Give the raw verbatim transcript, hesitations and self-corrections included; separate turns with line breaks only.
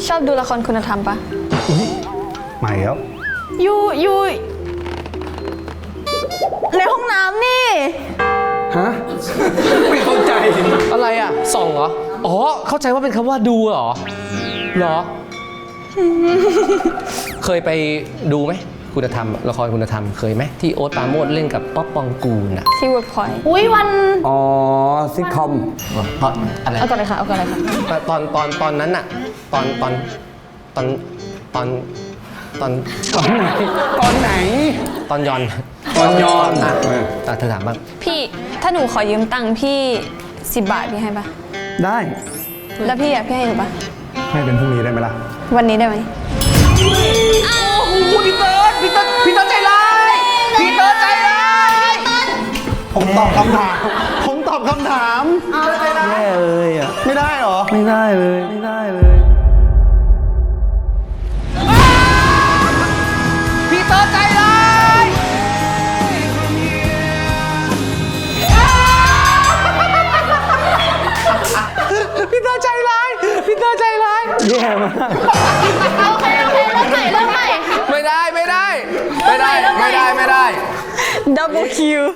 ชอบดูละครคุณธรรมปะ
อุ๊ยใหม่แล้ว
ยูยูในห้องน้ำนี่
ฮะ ไม่เข้าใจ
อะไรอ่ะส่องเหรอ อ๋อ เข้าใจว่าเป็นคำว่าดูเหรอ เหรอ เคยไปดูไหมคุณธรรมละครคุณธรรมเคยไหมที่โอ๊ตปราโมชเล่นกับป๊อปปองกูลอ่ะ
ที่เวิร์กพอยต์อุ้ยวัน
อ๋อซิทคอม
เพราะอะไร
เอาก่อนเลยค่ะเอาก่อนเลยค่ะ
ตอนตอนตอนนั้นอะตอนตอนตอนตอนตอน
ตอนไหน ตอนไหน
ตอนยอน
ตอนยอน
อ่ะ
เออ
อ่ะเธอถามบ้าง
พี่ถ้าหนูขอยืมตังค์พี่สิบบาทพี่ให้ปะ
ได้
แล้วพี่อ่ะพี่ให้หนูปะ
ให้เป็นพรุ่งนี้ได้ไหมล่ะ
วันนี้ได้ไหม
พี่เติร์ดพี่เติร์ดพี่เติร์ดใจร้ายพี่เติร์ดใจร้าย
ผมตอบคำถาม ผมตอบคำถามแย่เลยอ่ะ ไม่ได้หรอ ไม่ได้เลย ไม่ได้เลย
พี่เติร์ดใจร้าย พี่เติร์ดใจร้ายพี่เติร์ดใจร้าย
แย่มาก
โอเคโอเคเริ่มใหม่เริ่มใหม่
ไม่ได้ไม่ได้ ไม่ได้ไม่ได้ไม่ได้
ดับเบิลคิว